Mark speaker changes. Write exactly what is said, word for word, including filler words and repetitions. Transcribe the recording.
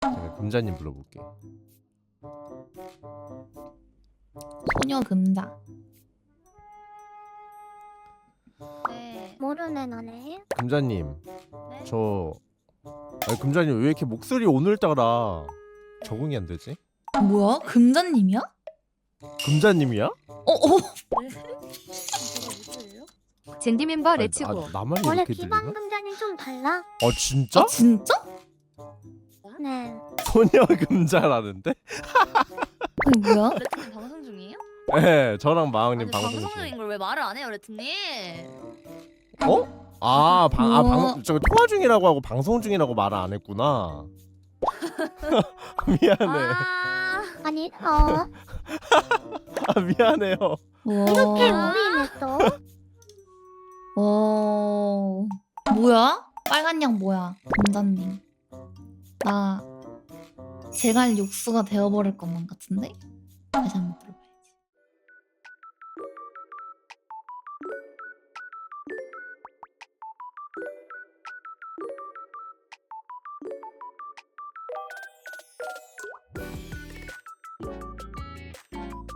Speaker 1: 내가 금자님 불러볼게.
Speaker 2: 소녀 금자.
Speaker 3: 네.
Speaker 4: 모르네 나네.
Speaker 1: 금자님,
Speaker 3: 네?
Speaker 1: 저 아니 금자님 왜 이렇게 목소리 오늘따라 적응이 안 되지?
Speaker 2: 뭐야? 금자님이야?
Speaker 1: 금자님이야?
Speaker 2: 어, 어.
Speaker 3: 네? 제가 누구예요?
Speaker 5: 젠디 멤버
Speaker 1: 아니,
Speaker 5: 레츠고.
Speaker 1: 아, 나만
Speaker 4: 원래
Speaker 1: 이렇게 들리나?
Speaker 4: 기반 금자님 좀 달라.
Speaker 1: 어 진짜?
Speaker 2: 아, 진짜?
Speaker 4: 네.
Speaker 1: 소녀 금자라는데?
Speaker 2: 아니, 뭐야?
Speaker 3: 레트님 방송 중이에요?
Speaker 1: 네, 저랑 마왕님
Speaker 3: 아니,
Speaker 1: 방송
Speaker 3: 방송
Speaker 1: 중.
Speaker 3: 중인 걸 왜 말을 안 해요, 레트님?
Speaker 1: 어? 아, 방, 아,
Speaker 2: 뭐?
Speaker 1: 방, 저 통화 중이라고 하고 방송 중이라고 말을 안 했구나. 미안해.
Speaker 3: 아,
Speaker 4: 아니 어
Speaker 1: 아, 미안해요.
Speaker 4: 이렇게
Speaker 2: 와.
Speaker 4: 우리네 또.
Speaker 2: 와. 뭐야? 빨간 양 뭐야? 금자님. 나 제갈 육수가 되어버릴 것만 같은데? 다시 한번 들어봐.